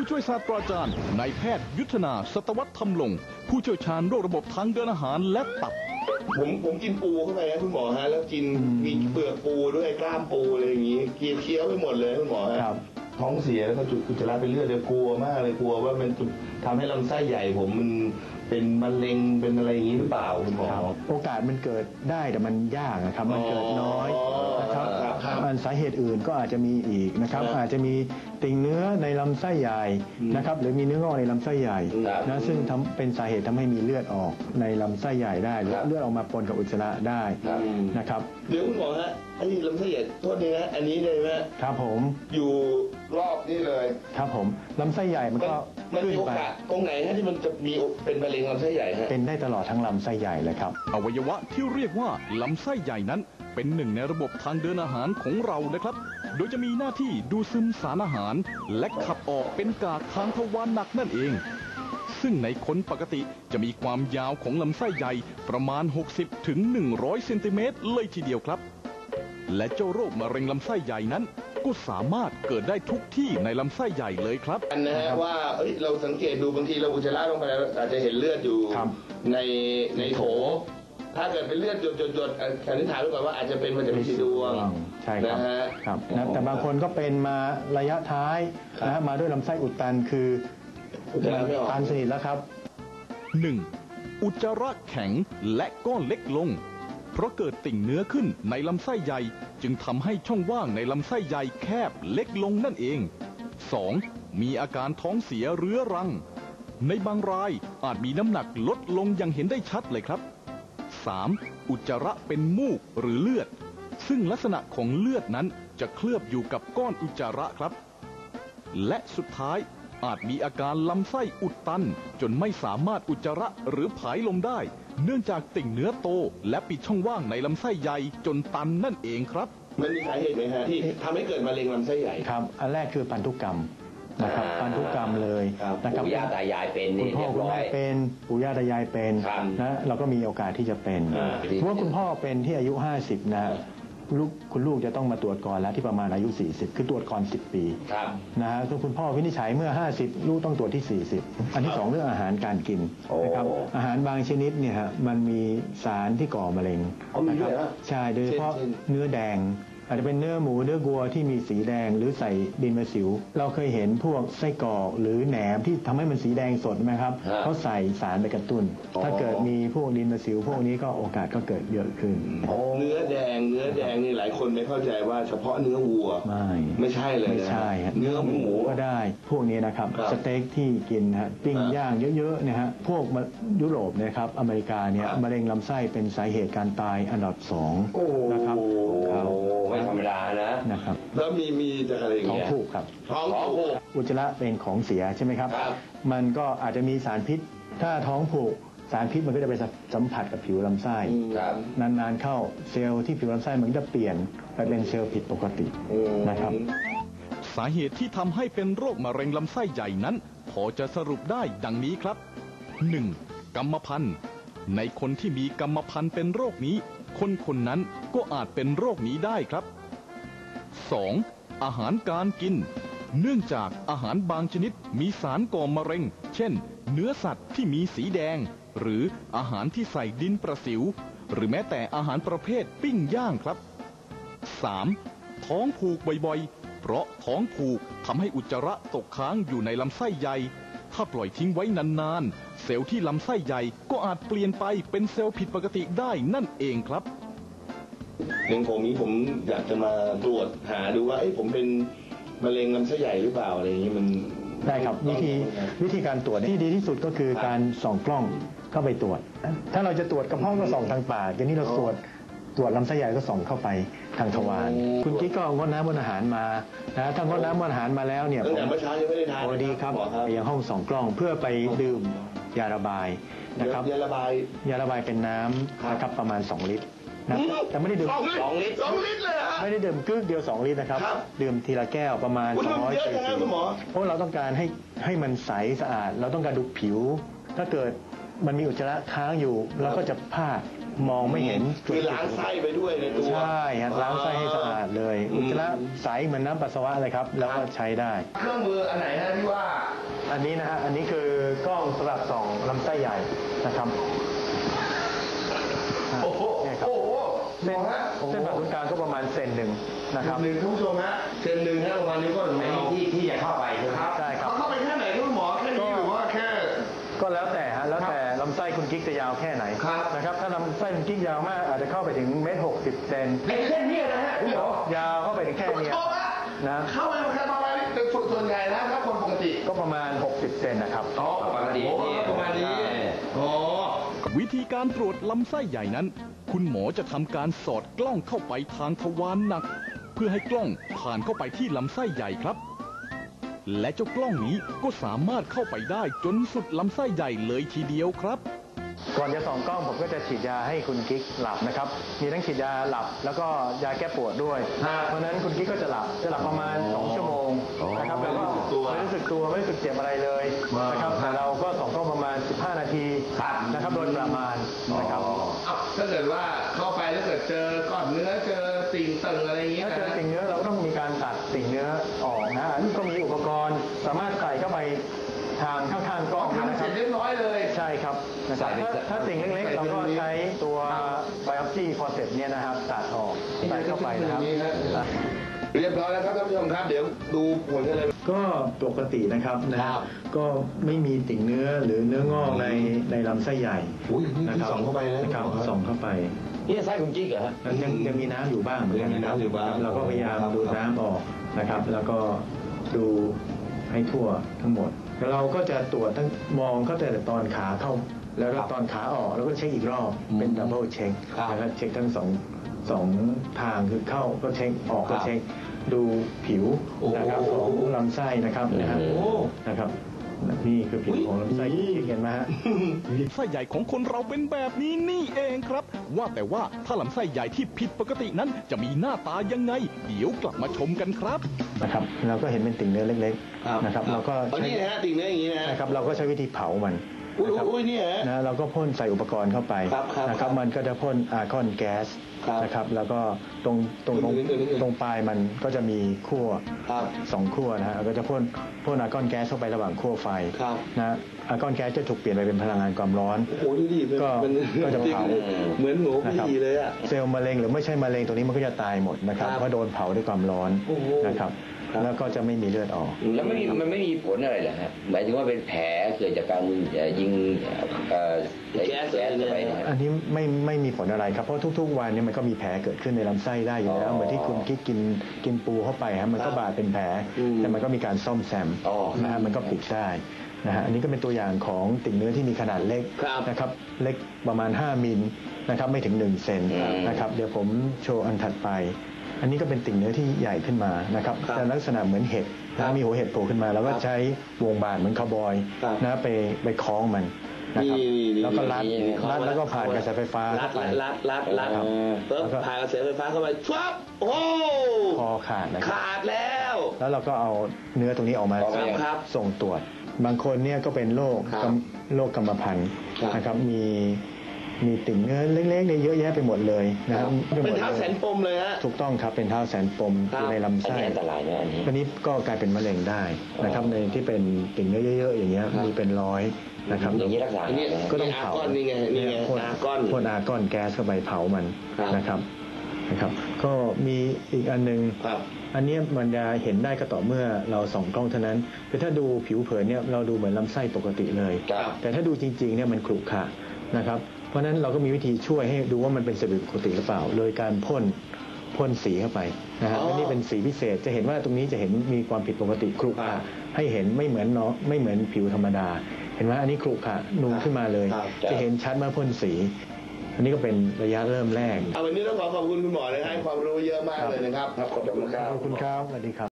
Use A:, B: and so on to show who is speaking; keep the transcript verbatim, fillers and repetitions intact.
A: ช่วยศาสตราจารย์นายแพทย์ยุทธนาสัตวัฒน์ธรรมลงผู้เชี่ยวชาญโรคระบบทางเดินอาหารและตับ
B: ผมผมกินปูเข้าไปนะคุณหมอฮะแล้วกินมีเปลือกปูด้วยกล้ามปูอะไรอย่างงี้เคี้ยวไปหมดเลยคุณหมอฮะท้องเสียแล้วก็จุดอุจจาระเป็นเลือดเลยกลัวมากเลยกลัวว่ามันทำให้ลำไส้ใหญ่ผมมันเป็นมะเร็งเป็นอะไรอย่างนี้หรือเปล่าคุณหมอ
C: โอกาสมันเกิดได้แต่มันยากนะครับมันเกิดน้อยนะครับมันสาเหตุอื่นก็อาจจะมีอีกนะครับอาจจะมีติ่งเนื้อในลำไส้ใหญ่นะครับหรือมีเนื้องอกในลำไส้ใหญ่นะซึ่งทำเป็นสาเหตุทำให้มีเลือดออกในลำไส้ใหญ่ได้หรือเลือดออกมาปนกับอุจจาระได้นะครับ
B: เดี๋ยวคุณหมอฮะอันนี้ลำไส้ใหญ่โทษทีนะอันนี้เลยไหม
C: ครับผม
B: อยู่รอบนี่เลย
C: ครับผมลำไส้ใหญ่มันก็
B: มันมีโอกาสตรงไหนฮะที่มันจะมีเป็นมะเร็งลำไส้ใหญ่ฮะ
C: เป็นได้ตลอดทั้งลำไส้ใหญ่เลยครับ
A: อวัยวะที่เรียกว่าลำไส้ใหญ่นั้นเป็นหนึ่งในระบบทางเดินอาหารของเรานะครับโดยจะมีหน้าที่ดูดซึมสารอาหารและขับออกเป็นกากทางทวารหนักนั่นเองซึ่งในคนปกติจะมีความยาวของลำไส้ใหญ่ประมาณหกสิบถึงหนึ่งร้อยเซนติเมตรเลยทีเดียวครับและเจ้าโรคมะเร็งลำไส้ใหญ่นั้นก็สามารถเกิดได้ทุกที่ในลำไส้ใหญ่เลยครับ
B: อันนะฮะว่าเอ้ยเราสังเกตดูบางทีเราอุจจาระลงไปแล้วอาจจะเห็นเลือดอยู่ในในโถถ้าเกิดเป็นเลือดหยดๆสันนิษฐานไว้ก่อนว่าอาจจะเป็นมาจากพิษดวง
C: ใช่ครับครับนะแต่บางคนก็เป็นมาระยะท้ายนะมาด้วยลำไส้อุดตันคือ
B: อุจจาระไม่ออก
C: ตันสนิทแล้วครับ
A: หนึ่งอุจจาระแข็งและก้อนเล็กลงเพราะเกิดติ่งเนื้อขึ้นในลำไส้ใหญ่จึงทำให้ช่องว่างในลำไส้ใหญ่แคบเล็กลงนั่นเอง สอง. มีอาการท้องเสียเรื้อรังในบางรายอาจมีน้ำหนักลดลงอย่างเห็นได้ชัดเลยครับ สาม. อุจจาระเป็นมูกหรือเลือดซึ่งลักษณะของเลือดนั้นจะเคลือบอยู่กับก้อนอุจจาระครับและสุดท้ายอาจมีอาการลำไส้อุดตันจนไม่สามารถอุจจาระหรือผายลมได้เนื่องจากติ่งเนื้อโตและปิดช่องว่างในลำไส้ใหญ่จนตันนั่นเองครับ
B: มันมีสาเหตุไหมฮะที่ทำให้เกิดมะเร็งลำไส้ใหญ่
C: ครับอันแรกคือพันธุกรรมนะครับพันธุกรรมเลย
D: นะครับปู่ย่าตายายเป็น
C: คุณพ่อคุณแม่เป็นปู่ย่าตายายเป็นนะเราก็มีโอกาสที่จะเป็นเพราะว่าคุณพ่อเป็นที่อายุห้าสิบนะลูกคุณลูกจะต้องมาตรวจก่อนแล้วที่ประมาณอายุสี่สิบคือตรวจก่อนสิบปีนะฮะคุณพ่อวินิจฉัยเมื่อห้าสิบลูกต้องตรวจที่สี่สิบอันที่สองเรื่องอาหารการกินนะครับอาหารบางชนิดเนี่ยฮะมันมีสารที่ก่อมะเร็งนะครับใช่โดยเฉพาะเนื้อแดงอาจจะเป็นเนื้อหมูเนื้อวัวที่มีสีแดงหรือใส่ดินมะสิวเราเคยเห็นพวกไส้กรอกหรือแหนมที่ทำให้มันสีแดงสดไหมครับเขาใส่สารไปกระตุ้นถ้าเกิดมีพวกดินมะสิวพวกนี้ก็โอกาสก็เกิดเยอะขึ้น
B: เนื้อแดงเนื้อแดงนี่หลายคนไม่เข้าใจว่าเฉพาะเนื้อวัว
C: ไม่
B: ไม่ใช่เลย
C: ไม่ใช่
B: เนื้อหมู
C: ก็ได้พวกนี้นะครับสเต็กที่กินฮะปิ้งย่างเยอะๆนะฮะพวกยุโรปนะครับอเมริกาเนี่ยมะเร็งลำไส้เป็นสาเหตุการตายอันดับสองนะครับ
D: ไม่ธรรมดานะ
C: นะครับ
B: แล้วมีมีจะอะไรอย่าง
C: เงี้ยท้องผูกครับ
B: ท้องผูก
C: อุจจาระเป็นของเสียใช่ไหมครับมันก็อาจจะมีสารพิษถ้าท้องผูกสารพิษมันก็จะไปสัมผัสกับผิวลำไส้นานๆเข้าเซลล์ที่ผิวลำไส้มันจะเปลี่ยนไปเป็นเซลล์ผิดปกตินะครับ
A: สาเหตุที่ทำให้เป็นโรคมะเร็งลำไส้ใหญ่นั้นพอจะสรุปได้ดังนี้ครับ หนึ่ง. กรรมพันธุ์ในคนที่มีกรรมพันธุ์เป็นโรคนี้คนคนนั้นก็อาจเป็นโรคนี้ได้ครับ สอง. อาหารการกินเนื่องจากอาหารบางชนิดมีสารก่อมะเร็งเช่นเนื้อสัตว์ที่มีสีแดงหรืออาหารที่ใส่ดินประสิวหรือแม้แต่อาหารประเภทปิ้งย่างครับ สาม. ท้องผูกบ่อยๆเพราะท้องผูกทำให้อุจจาระตกค้างอยู่ในลำไส้ใหญ่ถ้าปล่อยทิ้งไว้นานๆเซลล์ที่ลำไส้ใหญ่ก็อาจเปลี่ยนไปเป็นเซลล์ผิดปกติได้นั่นเองครับ
B: เรื่องผมนี้ผมอยากจะมาตรวจหาดูว่าไอ้ผมเป็นมะเร็งลำไส้ใหญ่หรือเปล่าอะไรอย่างนี้มัน
C: ได้ครับวิธีวิธีการตรวจที่ดีที่สุดก็คือการส่องกล้องเข้าไปตรวจถ้าเราจะตรวจกระเพาะก็ส่องทางปากอย่างนี้เราตรวจตรวจลำไส้ใหญ่ก็ส่องเข้าไปทางทวารคุณกิ๊กก็งดน้ำงดอาหารมานะถ้างดน้ำงดอาหารมาแล้วเนี่ย
B: ตั้งแต่เมื่อเช้ายังไม่ได้ทาน
C: โอ้ดีครับอย่างห้องส่องกล้องเพื่อไปดื่มยาระบายนะครับ
B: ยาระบาย
C: ยาระบายเป็นน้ำนะครับประมาณสองลิตรนะแต่ไม่ได้ดื่ม
B: สองลิตรสองลิตรเลยฮะ
C: ไม่ได้ดื่มกึ๊กเดียวสองลิตรนะครับดื่มทีละแก้วประมาณสองร้อยซีซีเพราะเราต้องการให้ให้มันใสสะอาดเราต้องการดูผิวถ้าเกิดมันมีอุจจาระค้างอยู่เราก็จะพลาดมองไม่เห็น
B: คือล้างไส้ไปด้วยในตัว
C: ใช่ฮะล้างไส้ให้สะอาดเลยอุจจาระใสเหมือนน้ำปัสสาวะเลยครับแล้วก็ใช้ได้
B: เครื่องมืออันไหนฮะที่ว่า
C: อันนี้นะฮะอันนี้คือกล้องสำหรับส่องลำไส้ใหญ่นะครับ
B: โอ้โห
C: เนี่ยครับ
B: โอ้โห
C: เส้น
B: ฮะ
C: เส้นผ่าศูนย์กลางก็ประมาณเซนหนึ่งนะครับ
B: หนึ่งท่านผู้ชมฮะเซนหนึ่งฮะประมาณนิ้วก้อยของ
D: ไอ้
B: เรา
D: ที่ที่จะเข้าไปใช่ไหม
B: ครับ
C: ใช่ครับ
B: เข้าไปแค่ไหนคุณหมอแค่นี้หรือว่าแค่
C: ก็แล้วแต่ฮะแล้วแต่ลำไส้คุณกิ๊กจะยาวแค่ไหน
B: ครับ
C: นะครับถ้าลำไส้คุณกิ๊กยาวมากอาจจะเข้าไปถึงเมตรหกสิบเซน
B: ในแค่นี้นะฮะคุณหมอย
C: าวเข้าไปถึงแค่เนี้ย
B: โทษฮะ
C: นะ
B: เข้าไปแค่ประมาณนี้เป็นส่วนใหญ่นะถ้าคนปกติ
C: ก็ประมาณหกสิบเซนนะครับ
B: อ๋อ
D: ปกตินี่
B: ประมาณนี้อ๋อ
A: วิธีการตรวจลำไส้ใหญ่นั้น คุณหมอจะทำการสอดกล้องเข้าไปทางทวารหนัก เพื่อให้กล้องผ่านเข้าไปที่ลำไส้ใหญ่ครับ และเจ้ากล้องนี้ก็สามารถเข้าไปได้จนสุดลำไส้ใหญ่เลยทีเดียวครับ
C: ก่อนจะส่องกล้องผมก็จะฉีดยาให้คุณกิ๊กหลับนะครับ มีทั้งฉีดยาหลับแล้วก็ยาแก้ปวดด้วย เพราะฉะนั้นคุณกิ๊กก็จะหลับ จะหลับประมาณสองชั่วโมงนะครับแล้วก็ไม่รู้สึกตัวไม่รู้สึกเจ็บอะไรเลยนะครับ แต่เราก็ส่องกล้องประมาณสิบห้านาทีนะครับโดยประมาณนะครับ
B: อ้าวถ้าเกิดว่าเข้าไปแล้วเกิดเจอก้อนเนื้อเจอติ่งตึงอะไรอย่างเงี้ย
C: ถ้าเจอ
B: นะ
C: ติ่งเนื้อเราก็ต้องมีการตัดติ่งเนื้อออกนะอันนี้ก็มีอุปกรณ์สามารถใส่เข้าไปทางข้างๆกล้อง
B: ทำ
C: นะค
B: เส
C: รั
B: ร็
C: บ
B: จเรียบร้อยเลย
C: ใช่ครับนะครับถ้าถ้าติ่งเล็กๆ เราก็ใช้ตัว biopsy forceps เนี่ยนะครับตัดออกใส่เข้าไปนะครับ
B: เรียบร้อยแล้วครับท่านผู้ชมครับ เดี๋ยวดูผลกันเลย
C: ก็ปกตินะครับนะครับก็ไม่มีติ่งเนื้อหรือเนื้องอกในในลำไส้ใหญ่
B: อุ้ยนี่
C: นะครั
B: ส่องเข้าไปแล้ว
C: นะครับส่องเข้าไป
D: นี่ไส้คุณกิ๊กเหรอฮะ
C: แล้วยังยังมีน้ำอยู่บ้างเหมือนกันนะครับ
B: ยังมีน้ำอยู่บ้าง
C: เราก็พยายามดูดน้ำออกนะครับ แล้วก็ดูให้ทั่วทั้งหมดแล้วเราก็จะตรวจทั้งมองเข้าแต่ตอนขาเข้า แล้วก็ตอนขาออกแล้วก็เช็คอีกรอบเป็นดับเบิลเช็คนะครับเช็คทั้งสองสองทางคือเข้าก็เช็คออกก็เช็คดูผิวนะครับของลำไส้นะครับนะฮะนะครับนี่คือผิวของลำไส้ที่เห็นไหมฮะ
A: ไส้ใหญ่ของคนเราเป็นแบบนี้นี่เองครับ ว่าแต่ว่าถ้าลำไส้ใหญ่ที่ผิดปกตินั้นจะมีหน้าตายังไง เดี๋ยวกลับมาชมกันครับ
C: นะครับเราก็เห็นเป็นติ่งเนื้อเล็กๆนะครับเราก็
B: อัน
C: ใช้
B: นี้นะฮะติ่งเนื้ออย่างนี้นะ
C: นะครับเราก็ใช้วิธีเผามัน
B: อุ้ย
C: นะครับ
B: อุ้ยนี่ฮะ
C: นะเราก็พ่นใส่อุปกรณ์เข้าไป
B: ครับครับ
C: นะครับมันก็จะพ่นอาร์กอนแก๊ส
B: ครับ
C: นะครับแล้วก็ตรงตรงตรง
B: นิดนึงนิดนึง
C: ตรงปลายมันก็จะมีขั้ว
B: ครับ
C: สองขั้วนะฮะเราก็จะพ่นพ่นอาร์กอนแก๊สเข้าไประหว่างขั้วไฟ
B: ครับ
C: นะอาร์กอนแก๊สจะถูกเปลี่ยนไปเป็นพลังงานความร้อน
B: โอ้โหดูดิมัน
C: ก็
B: มัน
C: ก็จะเผา
B: เหมือนหมู
C: นะครับ
B: ปีเลยอ่ะ
C: เซลล์มะเร็งหรือไม่ใช่มะเร็งตัวนี้มันก็จะตายหมดนะครับ
B: ครับ
C: เพราะโดนเผาด้วยความร้อน
B: โอ้โห
C: นะครับ
B: ครับ
C: แล้วก็จะไม่มีเลือดออก
D: แล้วไม่มีมันไม่มีผลอะไรเหรอฮะหมายถึงว่าเป็นแผลเกิดจากการเอ่อยิงเอ่อแก๊สแก๊สเข้าไปเนะ
C: อันนี้ไม่ไม่มีผลอะไรครับเพราะทุกๆวันเนี่ยมันก็มีแผลเกิดขึ้นในลำไส้ได้อยู่แล้ว
D: อ๋อ
C: เหมือนที่คุณกิ๊กกินกินปูเข้าไปฮะมันก็บาดเป็นแผล
B: อืม
C: แต่มันก็มีการซ่อมแซม
D: อ๋อ
C: นะฮะมันก็ปิดได้นะฮะอันนี้ก็เป็นตัวอย่างของติ่งเนื้อที่มีขนาดเล็ก
B: ครับ
C: นะครับเล็กประมาณห้ามิลนะครับไม่ถึงหนึ่งเซน
D: อืม
C: นะครับเดี๋ยวผมโชว์อันถัดไป อันนี้ก็เป็นติ่งเนื้อที่ใหญ่ขึ้นมานะครับ
B: ครับ
C: แต่ลักษณะเหมือนเห็ด
B: ครั
C: นะ
B: บ
C: มีหัวเห็ดโผล่ขึ้นมาแล้วก็
B: ครับ
C: ใช้วงบาดเหมือนคาวบอย
B: ครับ
C: นะไปไปคล้องมันนะครับ
B: นี่นี่
C: แล้วก็รัด
B: นี่นี่
C: รัดแล้วก็ผ่านกระแสไฟฟ้า
B: รั
C: เข้า
B: ด
C: ไป
B: รัดรัดรัด
C: ครับ
B: ปุ๊บ
C: แล้วก็
B: ผ่านกระแสไฟฟ้าเข้าไปชวับโอ้โห
C: คอขาดนะครับ
B: ขาดแล้ว
C: แล้วเราก็เอาเนื้อตรงนี้ออกมา
D: ออกมา
B: ครับ
C: ส่งตรวจ บางคนเนี่ยก็เป็นโรค
B: ครับ
C: กำโรคกรรมพันธุ์
B: ครับ
C: นะครับมีมีติ่งเนื้อเล็กๆเนี่ยเยอะแยะไปหมดเลยนะครับไปห
B: เป็
C: ม
B: น
C: ด
B: เท้าแสนปมเลยฮะ
C: ถูกต้องครับเป็นเท้าแสนปม
B: ครับ
C: อยู่ในลำ
D: อัน
C: ไส้
D: นี้อันตรายนะอันนี้
C: วันนี้ก็กลายเป็นมะเร็งได้นะครับในที่เป็นติ่งเนื้อเยอะๆอย่างเงี้ย
B: ครับ
C: มีเป็นร้อยนะครับ
D: อย่างนี้รักษา
B: อันนี้
D: ไงนะ
C: ก็ต้องเผา
B: อาร์กอนนี่ไงนี่ไง
C: พ่น
B: อาร์กอน
C: พ่นอาร์กอนแก๊สเข้าไปเผามัน
B: ครับ
C: นะครับนะครับ ก็มีอีกอันหนึง
B: ครับ
C: อันเนี้ยมันจะเห็นได้ก็ต่อเมื่อเราส่องกล้องเท่านั้นคือถ้าดูผิวเผินเนี่ยเราดูเหมือนลำไส้ปกติเลย
D: ครับ
C: แต่ถ้าดูจริงๆเนี่ยมันขรุขระนะครับเพราะฉะนั้นเราก็มีวิธีช่วยให้ดูว่ามันเป็นสบิปกติหรือเปล่า โดยการพ่นพ่นสีเข้าไปนะฮะ
B: อ๋อ
C: อันนี้เป็นสีพิเศษจะเห็นว่าตรงนี้จะเห็นมีความผิดปกติขรุข
B: ครั
C: ระ
B: บ
C: ให้เห็นไม่เหมือนเนาะไม่เหมือนผิวธรรมดา เห็นไหมอันนี้ขรุขระนูนขึ้นมาเลย
B: ครับ
C: จะเห็นชัดเมื่อพ่นสี อันนี้ก็เป็นระยะเริ่มแรก
B: เอาวันนี้ต้องขอขอบคุณคุณหมอเลยให้ความรู้เยอะมากเลยนะครับ
C: ขอบคุณครับสวัสดีครับ